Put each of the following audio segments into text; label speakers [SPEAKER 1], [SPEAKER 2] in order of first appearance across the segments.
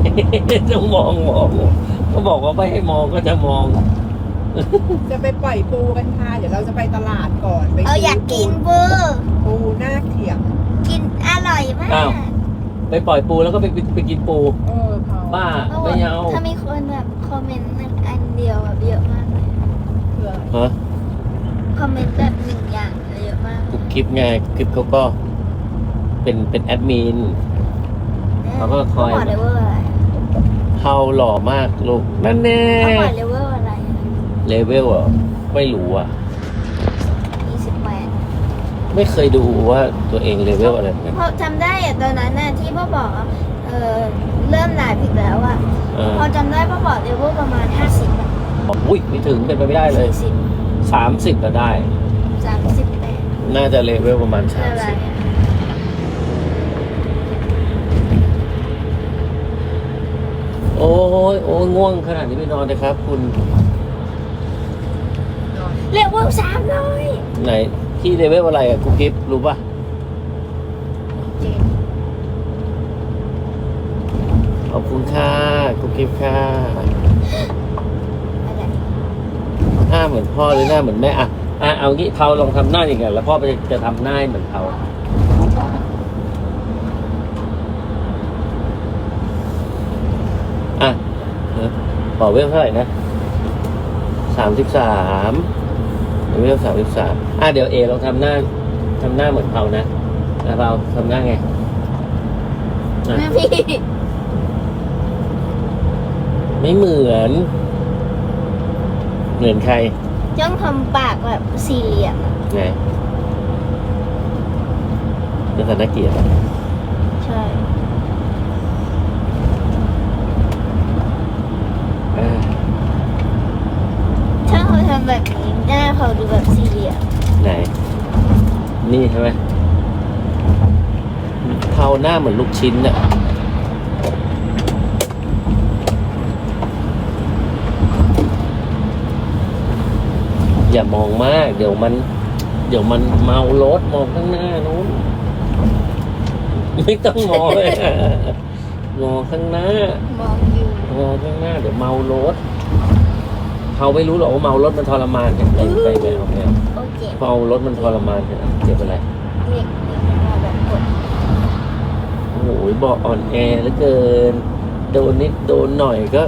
[SPEAKER 1] ต้องมองก็บอกว่าไม่ให้มองก็จะมอง
[SPEAKER 2] จะไปปล่อยปูกันค่ะเดี๋ยวเราจะไปตลาดก่อนไป
[SPEAKER 3] อยากกินปู
[SPEAKER 2] ปูหน้าเขียง
[SPEAKER 3] กินอร่อยมาก
[SPEAKER 1] อ้าว ไปปล่อยปูแล้วก็ไปกินปู
[SPEAKER 2] เขา
[SPEAKER 1] บ้าไม่เอา
[SPEAKER 3] ถ้ามีคนแบบคอมเมนต์อันเดียวแบบเยอะมากเลย
[SPEAKER 2] เพื่อ
[SPEAKER 1] ฮะ
[SPEAKER 3] คอมเมนต์แบบหนึ่งอย่างเยอะมาก
[SPEAKER 1] กุ๊กคลิปไงคลิปเขาก็เป็นแอดมิน เขาก็คอย
[SPEAKER 3] เขาบอกเลเวลอะไร
[SPEAKER 1] เฮาหล่อมากลูกนั่นแน่
[SPEAKER 3] เขาบอกเลเวลอะไร
[SPEAKER 1] เลเวลอ่ะไม่รู้อ่ะ
[SPEAKER 3] 28
[SPEAKER 1] ไม่เคยดูว่าตัวเองเลเวลอะไรเหมือนกัน
[SPEAKER 3] เพราะจำได้อะตอนนั้นน่ะที่พ่อบอกอะเริ่มไลฟ์อีกแล้วอะ พอจำได้พ่อบอกเลเวลประมาณ50อะ
[SPEAKER 1] อุ้ยไม่ถึงเป็นไปไม่ได้เลย
[SPEAKER 3] 40
[SPEAKER 1] 30ก็ได้
[SPEAKER 3] 38
[SPEAKER 1] น่าจะเลเวลประมาณ
[SPEAKER 3] อะไร
[SPEAKER 1] 30
[SPEAKER 3] อะ
[SPEAKER 1] โอ้ยง่วงขนาดนี้ไม่นอนเลยครับ คุณ
[SPEAKER 3] เลเวล300
[SPEAKER 1] ไหนที่เลเวลอะไรอ่ะกุ๊กกิ๊บรู้ป่ะ ขอบคุณค่ะกุ๊กกิ๊บค่ะ
[SPEAKER 3] อะไร
[SPEAKER 1] หน้าเหมือนพ่อหรือหน้าเหมือนแม่อ่ะเอางี้เผาลองทำหน้าอย่างเงี้ยแล้วพ่อจะทำหน้าเหมือนเผาอ่ะบอกเวลเท่าไหร่นะ33เวล33เดี๋ยวเอลองทำหน้าเหมือนเผานะเผาทำหน้าไง
[SPEAKER 3] แม่พี่
[SPEAKER 1] ไม่เหมือนใคร
[SPEAKER 3] ต้องทำปากแบบสี่เหลี่ยมอะ
[SPEAKER 1] ไงนักธนเกียรติ
[SPEAKER 3] ใช่ ถ้าเขาทำแบบนี้หน้าเขาดูแบบสี่เหลี่ยม
[SPEAKER 1] ไหน นี่ใช่ไหมเท้าหน้าเหมือนลูกชิ้นน่ะอย่ามองมาก เดี๋ยวมันเมารถมองข้างหน้านู้นไม่ต้องมองเลย มองข้างหน้า
[SPEAKER 3] มองอยู่
[SPEAKER 1] มองข้างหน้าเดี๋ยวเมารถเขาไม่รู้หรอกว่าเมารถมันทรมานกันไปแมวเนี่ย
[SPEAKER 3] โอเค
[SPEAKER 1] เมารถมันทรมานกันเจ็บอะไร
[SPEAKER 3] เด็กมาแบบกด
[SPEAKER 1] โอ้โหบอกอ่อนแอเหลือเกิน โดนนิดโดนหน่อยก็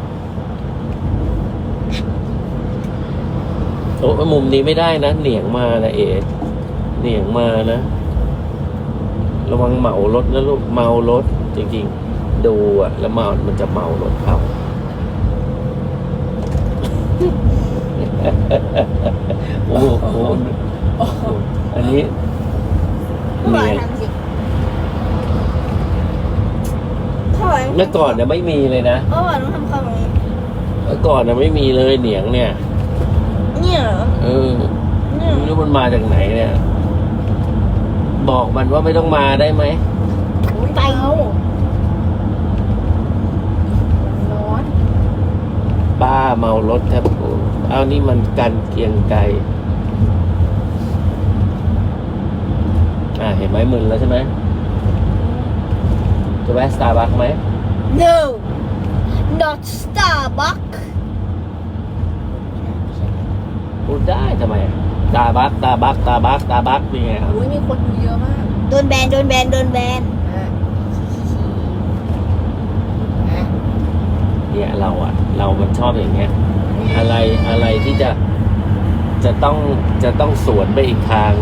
[SPEAKER 1] โอ้มุมนี้ไม่ได้นะเหนียงมานะเหนียงมานะระวังเหมารถนะลูกเมารถจริงๆดูอะแล้วมันจะเมารถเข้า โอ้โหอันนี้
[SPEAKER 3] พ่อบอก
[SPEAKER 1] เนี่ย
[SPEAKER 3] ทำสิพ่อบอก
[SPEAKER 1] เมื่อก่อนเนี่ยไม่มีเลยนะ
[SPEAKER 3] พ่อบอกต้องทำคำแบบนี้
[SPEAKER 1] เมื่อก่อนเนี่ยไม่มีเลยเหนียงเนี่ย
[SPEAKER 3] เนี่ยเหรอ เนี่ย
[SPEAKER 1] ไม่รู้มันมาจากไหนเนี่ย บอกมันว่าไม่ต้องมาได้ไหม
[SPEAKER 3] ไป
[SPEAKER 2] ร้อน
[SPEAKER 1] ป้าเมารถแทบโอ้เอานี่มันกันเกรียงไกรเห็นไหมมึนแล้วใช่ไหมจะแวะสตาร์บัคไหม
[SPEAKER 3] no not Starbucks
[SPEAKER 1] พูดได้ทำไมตาบักนี่ไงครับ
[SPEAKER 2] อุ้ยมีคนดูเยอะมาก
[SPEAKER 3] โดนแบน
[SPEAKER 1] เนี่ยเรามันชอบอย่างเงี้ย อะไรที่จะต้องสวนไปอีกทาง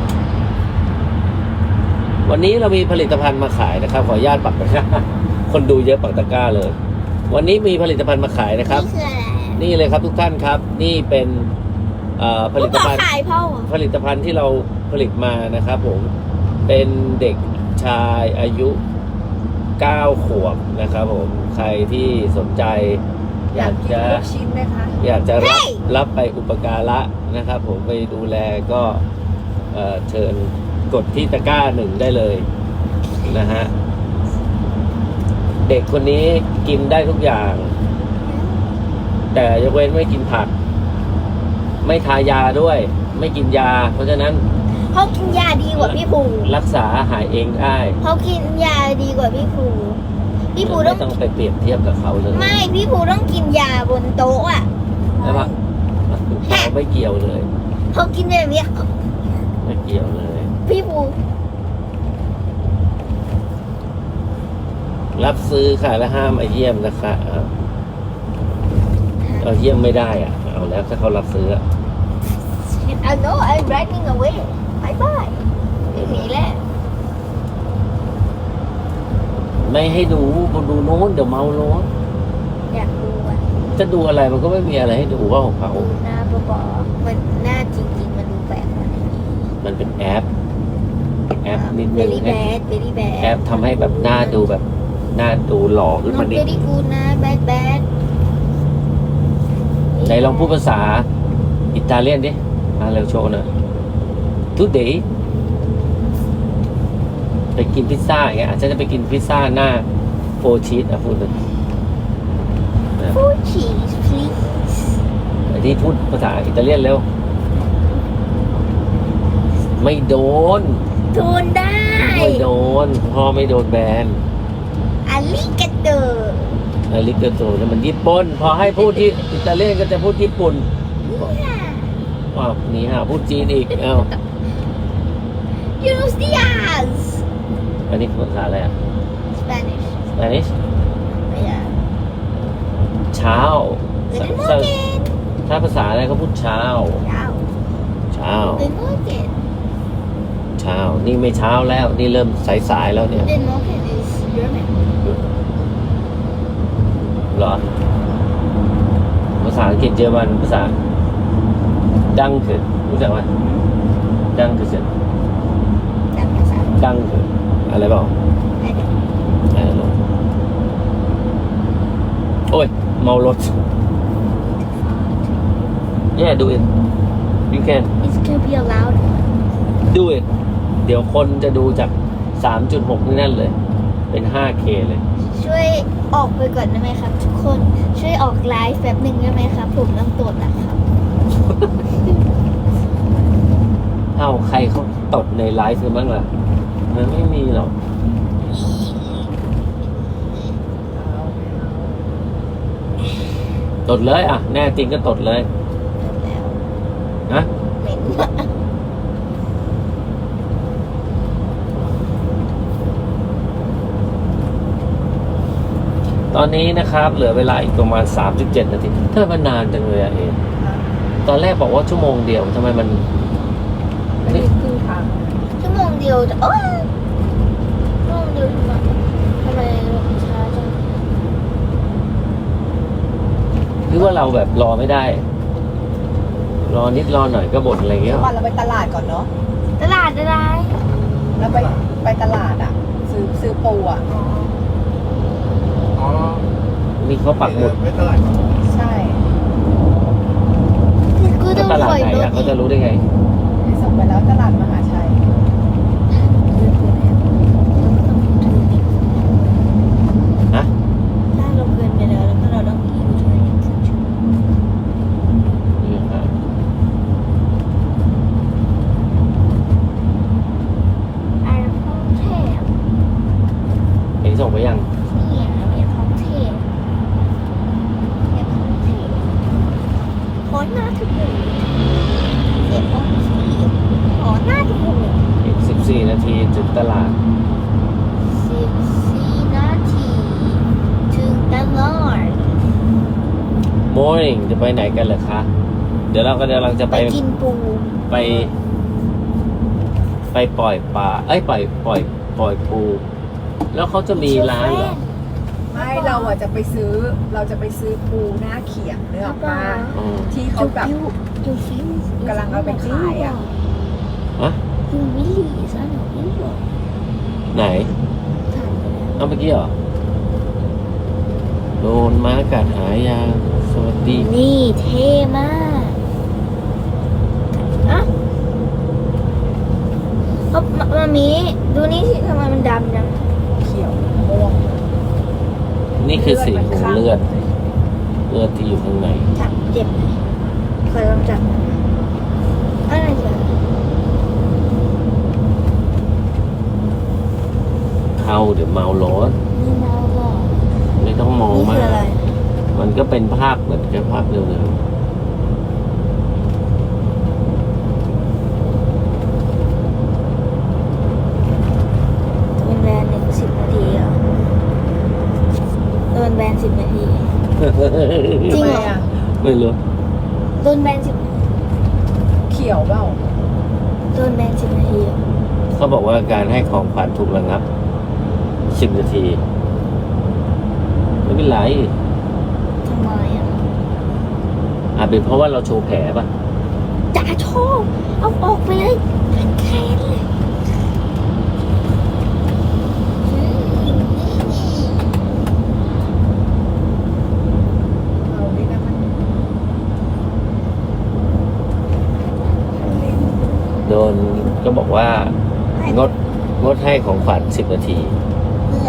[SPEAKER 1] วันนี้เรามีผลิตภัณฑ์มาขายนะครับ ขออนุญาตปักตะกร้า คนดูเยอะปักตะกร้าเลย วันนี้มีผลิตภัณฑ์มาขายนะครับ
[SPEAKER 3] นี่คืออะไร
[SPEAKER 1] นี่เลยครับทุกท่านครับ นี่เป็นผลิตภัณฑ์
[SPEAKER 3] ขายพ่อ
[SPEAKER 1] ผลิตภัณฑ์ที่เราผลิตมานะครับผมเป็นเด็กชายอายุ9 ขวบนะครับผมใครที่สนใจอยาก
[SPEAKER 2] กิน
[SPEAKER 1] จะ
[SPEAKER 2] ลูกชิ้นไหมคะ
[SPEAKER 1] อยากจะรับไปอุปการะนะครับผมไปดูแลก็เชิญกดที่ตะกร้า1ได้เลยนะฮะเด็กคนนี้กินได้ทุกอย่าง แต่ยกเว้นไม่กินผัก ไม่ทายาด้วย ไม่กินยา เพราะฉะนั้น
[SPEAKER 3] เขากินยาดีกว่าพี่ภู
[SPEAKER 1] รักษาหายเองได้
[SPEAKER 3] เขากินยาดีกว่าพี่ภูพี่ภู
[SPEAKER 1] ไม่
[SPEAKER 3] ต้อง
[SPEAKER 1] ต้องไปเปรียบเทียบกับเขาเลย
[SPEAKER 3] ไม่พี่ภูต้องกินยาบนโต๊ะอ่ะ
[SPEAKER 1] ใช่ปะเขาไม่เกี่ยวเลย
[SPEAKER 3] เขากินแบบเนี้ย
[SPEAKER 1] ไม่เกี่ยวเลย
[SPEAKER 3] พี่ภู
[SPEAKER 1] รับซื้อค่ะและห้ามมาเยี่ยมนะคะเอาเยี่ยมไม่ได้อ่ะ เอาแล้วถ้าเขารับซื้ออะ
[SPEAKER 3] I know I'm running away bye bye ไม่หนีแล้ว
[SPEAKER 1] ไม่ให้ดูดูโน้นเดี๋ยวเมารถ
[SPEAKER 3] อยากดูอ่ะ
[SPEAKER 1] จะดูอะไรมันก็ไม่มีอะไรให้ดูว่าของเขา
[SPEAKER 3] ดูหน้าบอๆมันหน้าจริงๆมันดูแปลกกว่านี้
[SPEAKER 1] มันเป็นแอปนิดนึง
[SPEAKER 3] very bad very bad
[SPEAKER 1] แอปทำให้แบบหน้าดูแบบหน้าดูหล่อขึ้น
[SPEAKER 3] น้อ
[SPEAKER 1] มาง นิด
[SPEAKER 3] very good นะ bad bad
[SPEAKER 1] ไหนลองพูดภาษาอิตาเลียนดิมาเร็วโชว์หน่อย today ไปกินพิซซ่าอย่างเงี้ยอาจจะไปกินพิซซ่าหน้าโฟชีสอ่ะพูดเลย
[SPEAKER 3] four cheese please
[SPEAKER 1] ไอ้ที่พูดภาษาอิตาเลียนเร็ว ไม่โดน
[SPEAKER 3] โดนได้
[SPEAKER 1] ไม่โดนพ่อไม่โดนแบน
[SPEAKER 3] อาลิกาโต
[SPEAKER 1] อาริกาโตนี่มันญี่ปุ่นพอให้พูดที่อิตาเลียนก็จะพูดญี่ปุ่นว้าวนี่ฮะพูดจีนอีกเอ้า
[SPEAKER 3] ยูโรสติอาส
[SPEAKER 1] อันนี้ภาษาอะไรอ่ะ
[SPEAKER 3] Spanish
[SPEAKER 1] Spanish
[SPEAKER 3] yeah
[SPEAKER 1] เช้า
[SPEAKER 3] Good
[SPEAKER 1] ถ้า
[SPEAKER 3] morning
[SPEAKER 1] ถ้าภาษาอะไรก็พูดเช้า
[SPEAKER 3] Ciao
[SPEAKER 1] เช้า
[SPEAKER 3] Good morning
[SPEAKER 1] เช้า นี่ไม่เช้าแล้ว นี่เริ่มสายๆแล้วเนี่ย
[SPEAKER 3] Good morning is German
[SPEAKER 1] เหรอ ภาษาอังกฤษเยอรมันภาษาดังคือรู้จักไหมดังคือเสียง
[SPEAKER 3] จำภาษา
[SPEAKER 1] ดังคืออะไรเปล่า
[SPEAKER 3] ไม่ได้
[SPEAKER 1] อะไรหรอโอ้ยเมารถ yeah do it you can
[SPEAKER 3] It's gonna be allowed
[SPEAKER 1] do it เดี๋ยวคนจะดูจาก 3.6 นี่นั่นเลย เป็น 5K เลย
[SPEAKER 3] ช่วยออกไปก่อนได้ไหมครับ ทุกคนช่วยออกไลฟ์แป๊บหนึ่งได้ไหมครับผมต้องตรวจนะครับ
[SPEAKER 1] เอาใครเขาตดในไลฟ์กันบ้างล่ะ มันไม่มีหรอก ตดเลยอ่ะ แน่จริงก็ตดเลย
[SPEAKER 3] แล้ว
[SPEAKER 1] นะ
[SPEAKER 3] เหม็นมาก
[SPEAKER 1] ตอนนี้นะครับ เหลือเวลาอีกประมาณ 37 นาทีทำไมมันนานจังเลยอะเองตอนแรกบอกว่าชั่วโมงเดียวทำไมมัน
[SPEAKER 2] ไม่ได้ครึ่งทาง
[SPEAKER 3] ชั่วโมงเดียวจะโอ้ยชั่วโมงเดียวทำไมช้าจัง
[SPEAKER 1] หรือว่าเราแบบรอไม่ได้ รอนิดรอหน่อยก็บ่นอะไรเงี้ย
[SPEAKER 2] วันเราไปตลาดก่อนเนาะ
[SPEAKER 3] ตลาดอะไร
[SPEAKER 2] แล้วไปตลาดอ่ะ ซื้อปูอ่ะ
[SPEAKER 4] อ๋อ
[SPEAKER 1] นี่เขาปักหมุด
[SPEAKER 4] ไม่เท่าไหร่
[SPEAKER 2] ใช่
[SPEAKER 3] กู
[SPEAKER 1] แล้
[SPEAKER 3] ต้
[SPEAKER 1] ว
[SPEAKER 3] อง
[SPEAKER 1] ตลาด
[SPEAKER 3] คอย
[SPEAKER 1] ไหน
[SPEAKER 3] รถ
[SPEAKER 1] อะเขาจะรู้ได้ไง
[SPEAKER 2] ส่งไปแล้วตลาดมหาชัย
[SPEAKER 1] ฮะ
[SPEAKER 3] ถ้าเราเกินไปแล้วแล้วก็เราต้องมียูทูบ
[SPEAKER 1] นี่ครับ
[SPEAKER 3] ไอ้ท้องเทพ
[SPEAKER 1] เห็นส่งไปยัง
[SPEAKER 3] นี่ไอ้ท้องเทพไอ้ท้องเทพขอหน้าทุกคนเสียท้องเทพขอหน้าทุกคน
[SPEAKER 1] อีก 14 นาทีถึงตลาด
[SPEAKER 3] 14 นาทีถึงตลาด
[SPEAKER 1] Morning จะไปไหนกันเหรอคะ เดี๋ยวเราก็กำลังจะ
[SPEAKER 3] ไป
[SPEAKER 1] ไป
[SPEAKER 3] กินปู
[SPEAKER 1] ไปปล่อยปลา เอ้ยปล่อยปู แล้วเขาจะมีร้านเหรอ
[SPEAKER 2] ไม่เราอ่ะจะไปซื้อปูหน้าเขียงเนื้อปลา
[SPEAKER 1] อืม
[SPEAKER 2] ที่เขาแบบ
[SPEAKER 3] ดูฟิว
[SPEAKER 2] กำลังเอาไปขายอะ
[SPEAKER 1] ฮะ
[SPEAKER 3] ยูวิลลี่ซะหน่อยนี่บอก
[SPEAKER 1] ไหน
[SPEAKER 3] ถ่ายไปแล้ว
[SPEAKER 1] เอาเมื่อกี้เหรอ โดนม้ากัดหายา สวัสดี
[SPEAKER 3] นี่เท่มากอะเอามามีดูนี่สิทำไมมันดำจัง
[SPEAKER 2] เขียวม่วง
[SPEAKER 1] นี่คือสีของเลือด เลือดที่อยู่ข้างใน
[SPEAKER 3] จับเจ็บไหมเคยลองจับอะไรจ๊ะ
[SPEAKER 1] เข้าเดี๋ยวเมารถ
[SPEAKER 3] นี่เมาหรอ
[SPEAKER 1] ต้องมอง
[SPEAKER 3] นี่
[SPEAKER 1] มา
[SPEAKER 3] คือก อะไร
[SPEAKER 1] มันก็เป็นภาพเหมือนกับภาพเร็ว
[SPEAKER 3] โดนแบน10 นาทีเหรอโดนแบน10 นาที
[SPEAKER 1] ๆ
[SPEAKER 3] จริงเหรอ
[SPEAKER 2] ทำไมอะ
[SPEAKER 1] ไม่รู้
[SPEAKER 3] โดนแบน10 นาที
[SPEAKER 2] เขียวเปล่า
[SPEAKER 3] โดนแบน10 นาทีเหรอ
[SPEAKER 1] เขาบอกว่าการให้ของขวัญถูกระงับ 10 นาที ไม่เป็นไร
[SPEAKER 3] ทำไมอ่ะ
[SPEAKER 1] อาจเป็นเพราะว่าเราโชว์แผลป่ะ
[SPEAKER 3] จ่าโชว์เอาออกไปเลยแค้นเลย
[SPEAKER 2] เรานี่นะมัน
[SPEAKER 1] โดนก็บอกว่างดให้ของขวัญ10 นาที
[SPEAKER 3] เพื่อ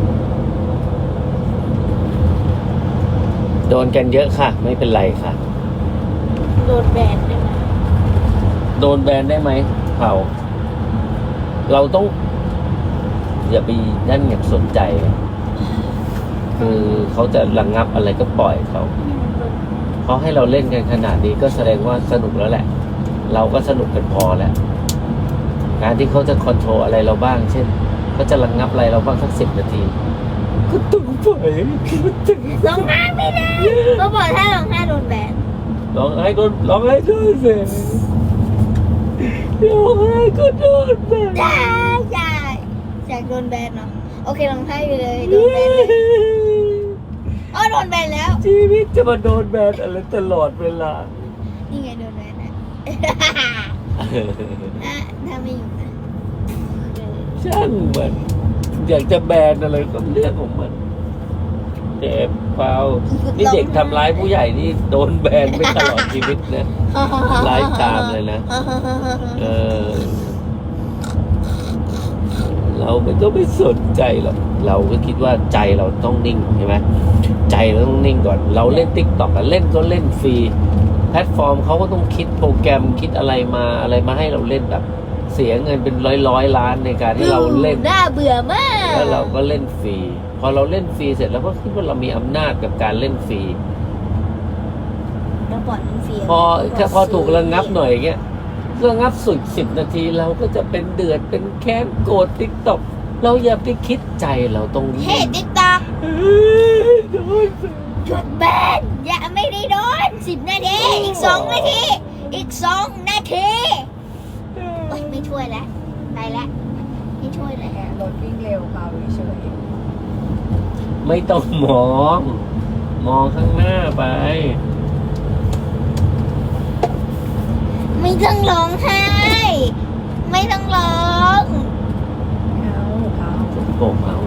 [SPEAKER 1] โดนกันเยอะค่ะ ไม่เป็นไรค่ะ
[SPEAKER 3] โดนแบนได้ไหม
[SPEAKER 1] โดนแบนได้ไหมเผาเราต้อง อย่าไปนั่นอย่างสนใจ คือเขาจะระงับอะไรก็ปล่อยเขาให้เราเล่นกันขนาดนี้ก็แสดงว่าสนุกแล้วแหละ เราก็สนุกกันพอแล้ว การที่เขาจะคอนโทรลอะไรเราบ้าง เช่นเขาจะระงับอะไรเราบ้างสัก10 นาที ก็ต้องปล่อย
[SPEAKER 3] ร้องไห้ไม่ได้ก็บอกถ้าร้องไห้โดนแบน
[SPEAKER 1] ร้องไห้ก็ร้องไห้ด้วยสิร้องไห้ก็โดนแบน
[SPEAKER 3] ได้อยากโดนแบนเนาะโอเคร้องไห้ไปเลยโดนแบนเลยอ๋อโดนแบนแล้ว
[SPEAKER 1] ชีวิตจะมาโดนแบนอะไรตลอดเวลา
[SPEAKER 3] นี่ไงโดนแบนนะถ้าไม่อยู่นะ
[SPEAKER 1] ช่างมันอยากจะแบนอะไรก็เรื่องของมันเจ็บเปล่านี่เด็กทำร้ายผู้ใหญ่นี่โดนแบนไม่ตลอดชีวิตนะไลฟ์ไทม์เลยนะ เออ เราไม่ต้องไปสนใจหรอกเราก็คิดว่าใจเราต้องนิ่งใช่ไหมใจเราต้องนิ่งก่อน เราเล่น TikTok อะเล่นก็เล่นฟรีแพลตฟอร์มเขาก็ต้องคิดโปรแกรมคิดอะไรมาให้เราเล่นแบบ เสียเงินเป็นร้อยล้านในการที่เราเล่น
[SPEAKER 3] น่าเบื่อมาก
[SPEAKER 1] แล้วเราก็เล่นฟรีพอเราเล่นฟรีเสร็จแล้วก็คิดว่าเรามีอำนาจกับการเล่นฟรี
[SPEAKER 3] แล้วปล่อยมันฟรี
[SPEAKER 1] พอถูกระงับหน่อยอย่างเงี้ยระงับสุด10 นาทีเราก็จะเป็นเดือดเป็นแค้นโกรธTikTok เราอย่าไปคิดใจเราตรงนี้
[SPEAKER 3] เฮ้ติ๊กต็อก
[SPEAKER 1] โดน
[SPEAKER 3] หยุดแบนอย่าไม่ได้โดน10 นาทีอีก 2 นาทีอีก 2 นาทีโอ๊ยไม่ช่วยแล้วไปแล้วไม่ช่วยแล้ว
[SPEAKER 2] แกรถวิ่งเร็วเปล่าเฉย
[SPEAKER 1] ไม่ต้องมองข้างหน้าไป
[SPEAKER 3] ไม่ต้องร้องไห้ไม่ต้องร้อง
[SPEAKER 2] ๆเอา
[SPEAKER 1] โป่งเอา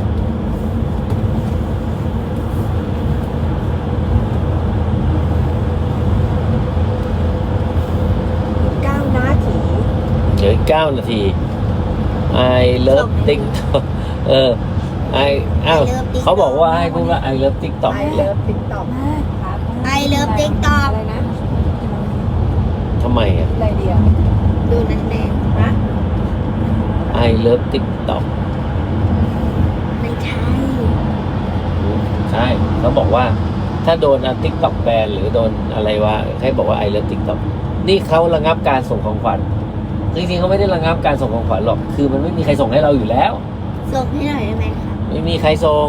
[SPEAKER 2] 9 นาที
[SPEAKER 1] เหลือ9 นาที I love TikTok อ้าวเขาบอกว่าให้พูดว่า I love TikTok
[SPEAKER 2] ไอเลิฟติ๊กต็อก
[SPEAKER 3] ไอเลิฟติ๊กต็อก
[SPEAKER 2] อะไรนะ
[SPEAKER 1] ทำไมอ่ะ
[SPEAKER 2] อะไรเดียว
[SPEAKER 3] ดูนั่นแดง
[SPEAKER 2] นะ
[SPEAKER 1] I love TikTok
[SPEAKER 3] ไม่ใช่
[SPEAKER 1] ใช่เขาบอกว่าถ้าโดนTikTok แบนหรือโดนอะไรวะให้บอกว่า I love TikTok นี่เขาระงับการส่งของขวัญจริงๆเขาไม่ได้ระงับการส่งของขวัญหรอกคือมันไม่มีใครส่งให้เราอยู่แล้ว
[SPEAKER 3] ส่งให้หน่อยได้ไหมคะ
[SPEAKER 1] ไม่มีใครส่ง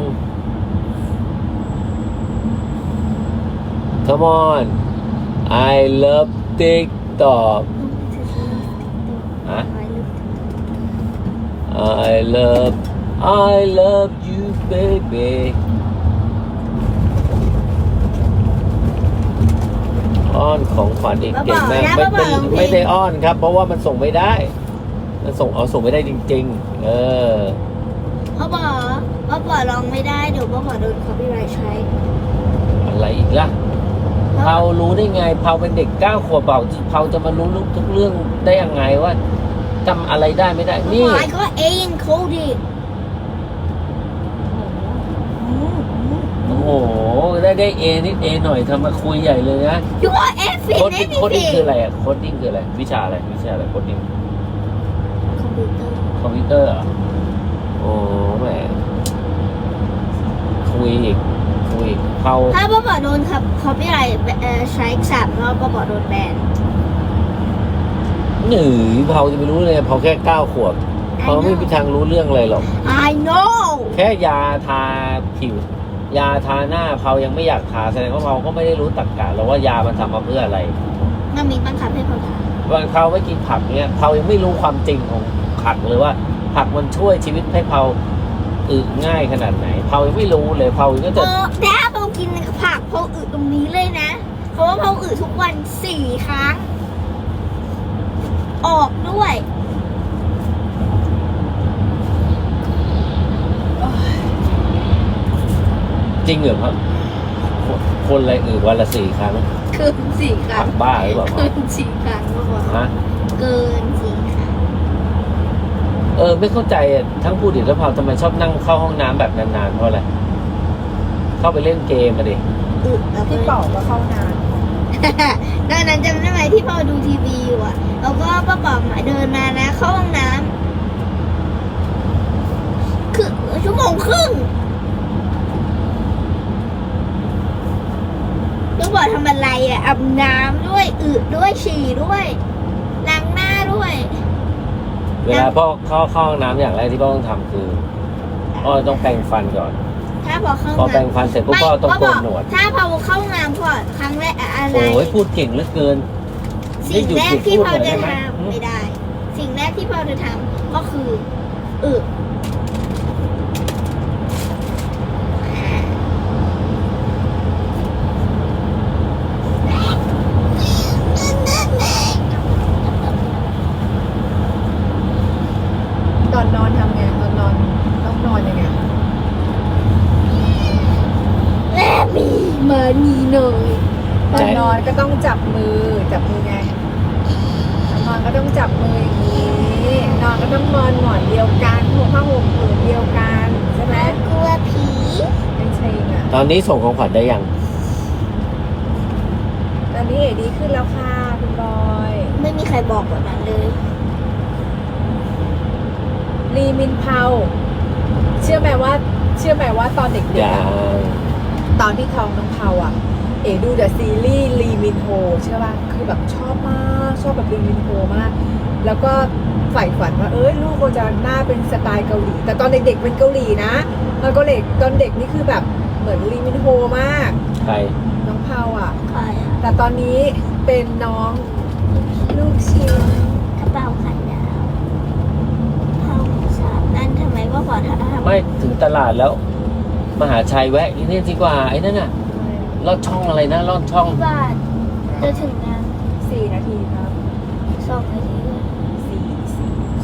[SPEAKER 1] Come on I love TikTok ฮะ I love you baby อ้อนของขวัญอีกเก่งมากไม่ได้อ้อนครับ เพราะว่ามันส่งไม่ได้ มันส่งไม่ได้จริงๆ
[SPEAKER 3] พ่อบอกร้องไม่ได้เดี๋ยวพ่อบอกโดน copyright ใช้
[SPEAKER 1] อะไรอีกล่ะเผารู้ได้ไงเผาเป็นเด็ก9 ขวบเผาจะมารู้ทุกเรื่องได้ยังไงว่าจำอะไรได้ไม่ได้ นี่
[SPEAKER 3] I got A encoded
[SPEAKER 1] โอ้โห ได้เอนิดเอหน่อยทำมาคุยใหญ่เลยนะ
[SPEAKER 3] You got F
[SPEAKER 1] โค้ด
[SPEAKER 3] in
[SPEAKER 1] โค้ดดิ้ง
[SPEAKER 3] anything
[SPEAKER 1] คืออะไรอ่ะโค้ดดิ้งคืออะไรวิชาอะไรโค้ดดิ้ง
[SPEAKER 3] คอมพิวเตอร์
[SPEAKER 1] คอมพิวเตอร์เหรอโอ้แหมคุยอีกเผา
[SPEAKER 3] ถ้าป้าบอกโดนครับเขาไม่ไรใช้3 รอบป้าบอกโดนแบน
[SPEAKER 1] หนือเผาจะไม่รู้เลยเผาแค่9 ขวบเผาไม่มีทางรู้เรื่องอะไรหรอก
[SPEAKER 3] I know
[SPEAKER 1] แค่ยาทาผิว ยาทาหน้าเผายังไม่อยากทาแสดงว่าเผาก็ไม่ได้รู้ตรรกะหรอกว่ายามันทำมาเพื่ออะไร
[SPEAKER 3] น้ามีบังคับให้เขาทำ
[SPEAKER 1] บางเผาไม่กินผักเนี่ยเผายังไม่รู้ความจริงของผักเลยว่า ผักมันช่วยชีวิตให้เผาอึง่ายขนาดไหนเผายังไม่รู้เลยเผาก็จะ
[SPEAKER 3] ถ้าเรากินผักเพาอึตรงนี้เลยนะ เพราะว่าเพาอึทุกวัน4 ครั้ง ออกด้วย
[SPEAKER 1] จริงเหรอครับคนอะไรวันละ4 ครั้ง
[SPEAKER 3] เกิน4 ครั้
[SPEAKER 1] ผั
[SPEAKER 3] ง
[SPEAKER 1] กบ้าหรือเปล่า
[SPEAKER 3] เกิน4 ครั้งก็พอ
[SPEAKER 1] ฮะ
[SPEAKER 3] เกิน4 ครั้ง
[SPEAKER 1] ไม่เข้าใจอะทั้งพูดถึงแล้วเผาทำไมชอบนั่งเข้าห้องน้ำแบบนานๆเพราะอะไรเข้าไปเล่นเกมมาดิ
[SPEAKER 3] อึแล้ว
[SPEAKER 2] พี่
[SPEAKER 3] ก็
[SPEAKER 2] ป๋องก็เข้านาน
[SPEAKER 3] ดังนั้นจำได้ไหมที่พ่อดูทีวีอยู่อ่ะ แล้วก็ป้าป๋อมเดินมานะเข้าห้องน้ำคือ1.5 ชั่วโมงแล้วบอกทำอะไรอ่ะอาบน้ำด้วยอึด้วยฉี่ด้วยล้างหน้าด้วย
[SPEAKER 1] เวลาพ่อเข้าห้องน้ำอย่างแรกที่พ่อต้องทำคือพ่อต้องแปรงฟันก่อน
[SPEAKER 3] ถ้าบอกเข้า
[SPEAKER 1] พอแปรง
[SPEAKER 3] น้ำ
[SPEAKER 1] ฟันเสร็จปุ๊บพ่อต้องโกนหนวด
[SPEAKER 3] ถ้าพอเข้าห้องน้ำก่อนครั้งแรกอะไร
[SPEAKER 1] โอ้ยพูดเก่งเหลือเกิน
[SPEAKER 3] สิ่งแรกที่พ่อจะ
[SPEAKER 1] ไม่หยุดพูดหน่อยได้ไหม
[SPEAKER 3] ทำไม่ได้ สิ่งแรกที่พ่อจะทำก็คืออึอ่า
[SPEAKER 2] ตอนนอนทำไงตอนนอนต้องนอนยังไง
[SPEAKER 3] แม่มีมานีหน่อย
[SPEAKER 2] ตอนนอนก็ต้องจับมือไงตอนนอนก็ต้องจับมืออย่างนี้นอนก็ต้องนอนหมอนเดียวกันผ้าห่มผืนเดียวกันใช่ไหม
[SPEAKER 3] แม่กลัวผี
[SPEAKER 2] เป็นเชงอ่ะ
[SPEAKER 1] ตอนนี้ส่งของขวัญได้ยัง
[SPEAKER 2] ตอนนี้เอ๋ดีขึ้นแล้วค่ะคุณบอย
[SPEAKER 3] ไม่มีใครบอกแบบนั้นเลย
[SPEAKER 2] ลีมินเผาเชื่อไหมว่าตอนเด็กๆ
[SPEAKER 1] ยั
[SPEAKER 2] อะ
[SPEAKER 1] ง
[SPEAKER 2] ตอนที่ท้องน้องเผาอ่ะ เอ๋ดูแต่ซีรีส์ลีมินโฮเชื่อป่ะคือแบบชอบมากชอบแบบลีมินโฮมาก แล้วก็ใฝ่ฝันว่าลูกเราจะหน้าเป็นสไตล์เกาหลี แต่ตอนเด็กๆเป็นเกาหลีนะตอนเด็กนี่คือแบบเหมือนลีมินโฮมาก
[SPEAKER 1] ใคร
[SPEAKER 2] น้องเผาอ่ะ
[SPEAKER 3] ใครอะ
[SPEAKER 2] แต่ตอนนี้เป็นน้องลูกชิ้น
[SPEAKER 3] กระเป๋าขันดาวห้องสามนั่นทำไมว่าพอทำ
[SPEAKER 1] ไม่ถึงตลาดแล้ว มหาชัยแวะที่นี่ดีกว่าไอ้นั่นน่ะลอดช่องอะไรนะลอดช่อง
[SPEAKER 3] ที่บ้านจะถึงนะ
[SPEAKER 2] 4 นาทีครับ
[SPEAKER 3] 2 นาทีด้วย
[SPEAKER 2] 4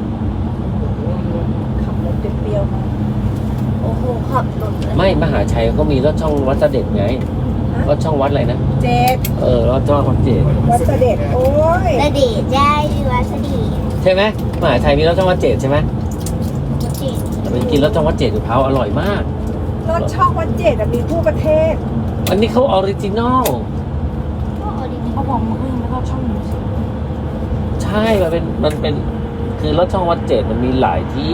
[SPEAKER 3] 2
[SPEAKER 2] ขับรถเปรี้ยวๆมา
[SPEAKER 3] โอ้โหขับรถเลย
[SPEAKER 1] ไม่มหาชัยก็มีลอดช่องวัดเสด็จไงลอดช่องวัดอะไรนะ
[SPEAKER 2] 7
[SPEAKER 1] ลอดช่องวัดเจด
[SPEAKER 2] วัดเสด็จโอ้ย
[SPEAKER 3] สดีได้วัสดี
[SPEAKER 1] ใช่ไหมมหาชัยมีลอดช่องวัดเจดใช่ไหม
[SPEAKER 3] จริง
[SPEAKER 1] แต่ไปกินลอดช่องวัดเจดกับเผาอร่อยมาก
[SPEAKER 2] รถช่องวัดเจ็ดอะมีทั่วประเทศ
[SPEAKER 1] อันนี้เขาออริจินอล
[SPEAKER 3] ก็ออริจิน
[SPEAKER 2] เขาบอกมึงไม่เข้าช่องหนูสิ
[SPEAKER 1] ใช่มันเป็นคือลอดช่องวัดเจดมันมีหลายที่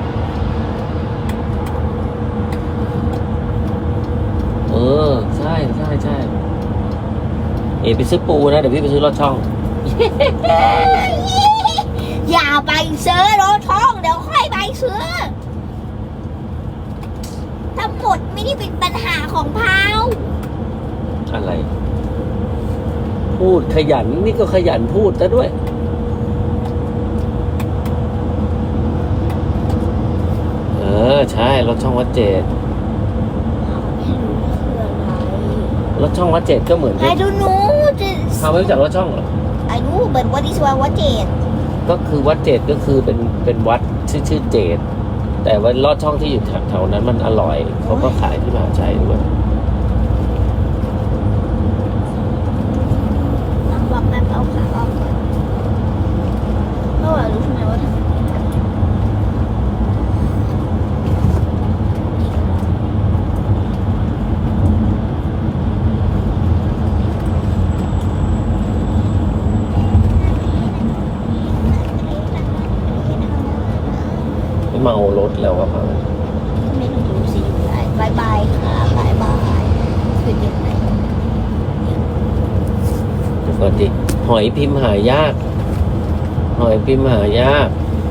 [SPEAKER 1] ใช่ไปซื้อปูนะเดี๋ยวพี่ไปซื้อลอดช่อง
[SPEAKER 3] อย่าไปซื้อรถช่องเดี๋ยวค่อยไปซื้อทั้งหมดไม่ได้เป็นปัญหาของพาว
[SPEAKER 1] อะไร พูดขยันนี่ก็ขยันพูดซะด้วย ใช่รถช่องวัดเจด
[SPEAKER 3] ไม่รู้คืออะไร
[SPEAKER 1] รถช่องวัดเจดก็เหมือน
[SPEAKER 3] I don't know
[SPEAKER 1] ทำไม่รู้จักรถช่องเหรอ
[SPEAKER 3] I know but what is what jet
[SPEAKER 1] ก็คือวัดเจดก็คือเป็นวัดชื่อเจดแต่ว่าลอดช่องที่อยู่แถวๆนั้นมันอร่อยเขาก็ขายที่มหาชัยด้วย
[SPEAKER 3] บอกแม่เอาขาออกก่อนเพราะว่ารู้ใช่ไหมว่าทำไม
[SPEAKER 1] ไม่เมารถแล้วครับ
[SPEAKER 3] ไม่รู้สิบายบายค่ะบายบาย
[SPEAKER 1] ก่อนดิหอยพิมพ์หายาก หอยพิมพ์หายาก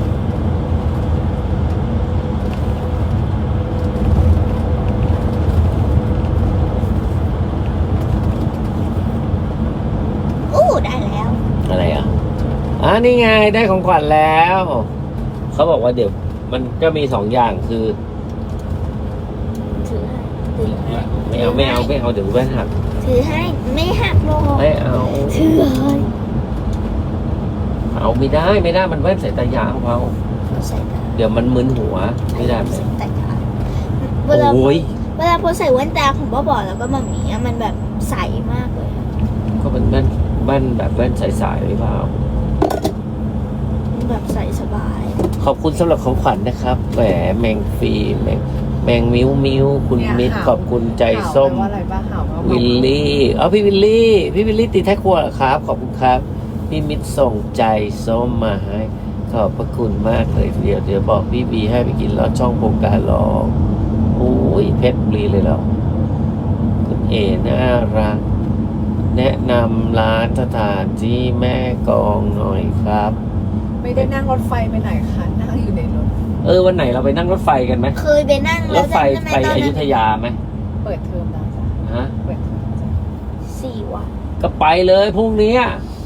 [SPEAKER 3] อู้ได้แล้ว
[SPEAKER 1] อะไรอ่ะนี่ไงได้ของขวัญแล้ว เขาบอกว่าเดี๋ยวมันก็มี2 อย่างคือ
[SPEAKER 3] ถือให้ถือให้
[SPEAKER 1] ไม่เอาเดี๋ยวแว่นหัก
[SPEAKER 3] ถือให้ไม่หักโลก
[SPEAKER 1] ไม่เอา
[SPEAKER 3] ถือให้
[SPEAKER 1] เอาไม่ได้มันแว่นสายตายาวเอา
[SPEAKER 3] ใส่ตา
[SPEAKER 1] เดี๋ยวมันมึนหัวไม่ได้ไหม
[SPEAKER 3] ใส่ตาเวลา
[SPEAKER 1] โอ้ย
[SPEAKER 3] เวลาพอใส่แว่นตาของพ่อบอกแล้วก็มามีมันแบบใสมากเลย
[SPEAKER 1] ก็เป็นแว่นแบบแว่นใสๆหรือเปล่า
[SPEAKER 3] มันแบบใสสบาย
[SPEAKER 1] ขอบคุณสำหรับของขวัญนะครับแหมแมงฟีแมงมิ้วคุณ
[SPEAKER 2] เนี่ย
[SPEAKER 1] มิตร
[SPEAKER 2] หาว
[SPEAKER 1] ขอบคุณใจส้ม
[SPEAKER 2] ข่าวแปลว่าอะไรบ้างข่าวว่า
[SPEAKER 1] วิลลี่พี่วิลลี่ตีแท็กครัวเหรอครับ ขอบคุณครับ พี่มิตรส่งใจส้มมาให้ ขอบพระคุณมากเลยทีเดียวเดี๋ยวบอกพี่บีให้ไปกินลอดช่องโครงการลองโอ้ยเพชรบุรีเลยเหรอคุณเอน่ารัก แนะนำร้านสถานที่แม่กองหน่อยครับ
[SPEAKER 2] ไม่ได้นั่งรถไฟไปไหนคะนั่งอยู่ในรถ
[SPEAKER 1] วันไหนเราไปนั่งรถไฟกันไหม
[SPEAKER 3] เคยไปนั่ง
[SPEAKER 1] ร
[SPEAKER 3] แล้ว
[SPEAKER 1] ถไฟ
[SPEAKER 3] จำได้
[SPEAKER 1] ไป
[SPEAKER 3] ไหมตอน
[SPEAKER 1] อ
[SPEAKER 3] นั้
[SPEAKER 1] ยุ
[SPEAKER 3] น
[SPEAKER 1] ธยาไหม
[SPEAKER 2] เปิดเทอมแล้วจ้ะ
[SPEAKER 1] ฮะ
[SPEAKER 2] เปิดเทอมแล้วจ้ะ
[SPEAKER 3] 4 วัน
[SPEAKER 1] ก็ไปเลยพรุ่งนี้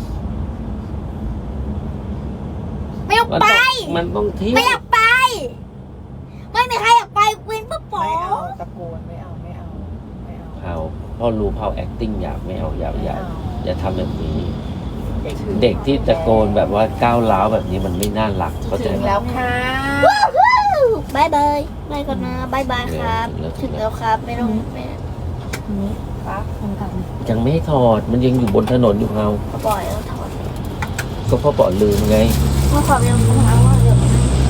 [SPEAKER 3] ไม่อยากไป
[SPEAKER 1] มันต้องเที่ยว
[SPEAKER 3] ไม่อยากไป ไม่มีใครอยากไปเป็นป้าป๋อ
[SPEAKER 2] ไม่เอาตะโกนไม่เอา
[SPEAKER 1] เอาพ่อรู้พ่อ acting อยากไม่เอาอย่าทำแบบนี้
[SPEAKER 2] ถึง
[SPEAKER 1] เด็กที่ตะโกนแบบว่าก้าวร้าวแบบนี้มันไม่น่ารักเข้าใจ
[SPEAKER 2] ถึง
[SPEAKER 1] ไหม
[SPEAKER 2] แล้วค่ะ
[SPEAKER 3] บายบายบายก่อนนะบายบายครับ ถึงแล้วครับไม่ต้องไม่
[SPEAKER 2] นี่ปั๊บคนกลับ
[SPEAKER 1] ยังไม่ให้ถอดมันยังอยู่บนถนนอยู่เรา
[SPEAKER 3] ปล่อยแล้วถอด
[SPEAKER 1] ก็พ่อบอกลืมไง
[SPEAKER 3] เมื่อความยังรู้นะว่าเดี๋ยว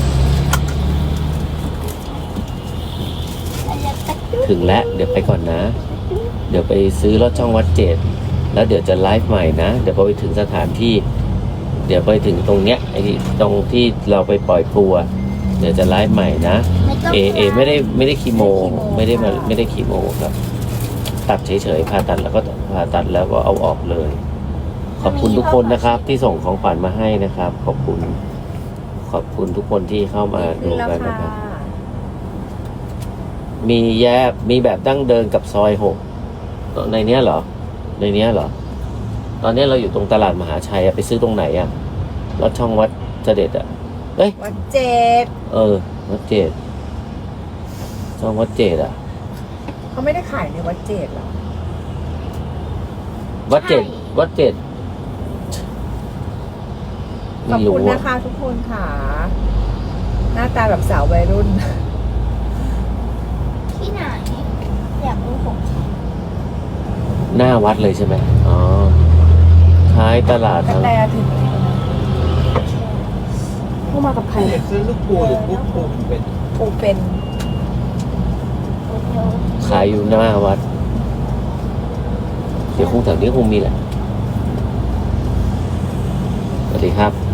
[SPEAKER 1] ถึงแล้วเดี๋ยวไปก่อนนะ เดี๋ยวไปซื้อรถช่องวัดเจ็ดแล้วเดี๋ยวจะไลฟ์ใหม่นะเดี๋ยวพอไปถึงสถานที่ เดี๋ยวไปถึงตรงเนี้ยไอ้ตรงที่เราไปปล่อยปูอะเดี๋ยวจะไลฟ์ใหม่นะ เอไม่ได้คีโมไม่ได้คีโมครับ ตัดเฉยๆผ่าตัดแล้วก็เอาออกเลย ขอบคุณทุกคนนะครับ ที่ส่งของขวัญมาให้นะครับ ขอบคุณทุกคนที่เข้ามาดู
[SPEAKER 2] แล้ว
[SPEAKER 1] กัน
[SPEAKER 2] ค่ะ
[SPEAKER 1] นะครับ มีแบบดั้งเดินกับซอย6ในเนี้ยเหรอ ตอนนี้เราอยู่ตรงตลาดมหาชัยอะไปซื้อตรงไหนอะรถช่องวัดเสด็จอะเอ้ย
[SPEAKER 2] วัดเจ็ด
[SPEAKER 1] วัดเจ็ดช่องวัดเจ็ดอะ
[SPEAKER 2] เขาไม่ได้ขายในวัดเจ็ดหรอ
[SPEAKER 1] วัดเจ็ด
[SPEAKER 2] ขอบ
[SPEAKER 1] ไม่
[SPEAKER 2] คุ
[SPEAKER 1] รู้
[SPEAKER 2] ณ
[SPEAKER 1] อะ
[SPEAKER 2] นะคะทุกคนค่ะ หน้าตาแบบสาววัยรุ่น
[SPEAKER 3] ที่ไหน อยากรู้ผม
[SPEAKER 1] หน้าวัดเลยใช่ไหมอ๋อท้ายตลาด
[SPEAKER 2] กระ
[SPEAKER 1] ทั้ง
[SPEAKER 2] แตถึงแล้วนะผู้มากับใคร
[SPEAKER 4] อยากซื้อลูกปูหรือลูกปูเป็น
[SPEAKER 2] ปูเป็น
[SPEAKER 3] โอเค
[SPEAKER 1] ขายอยู่หน้าวัด เดี๋ยวคงแถวนี้คงมีแหละ สวัสดีครับ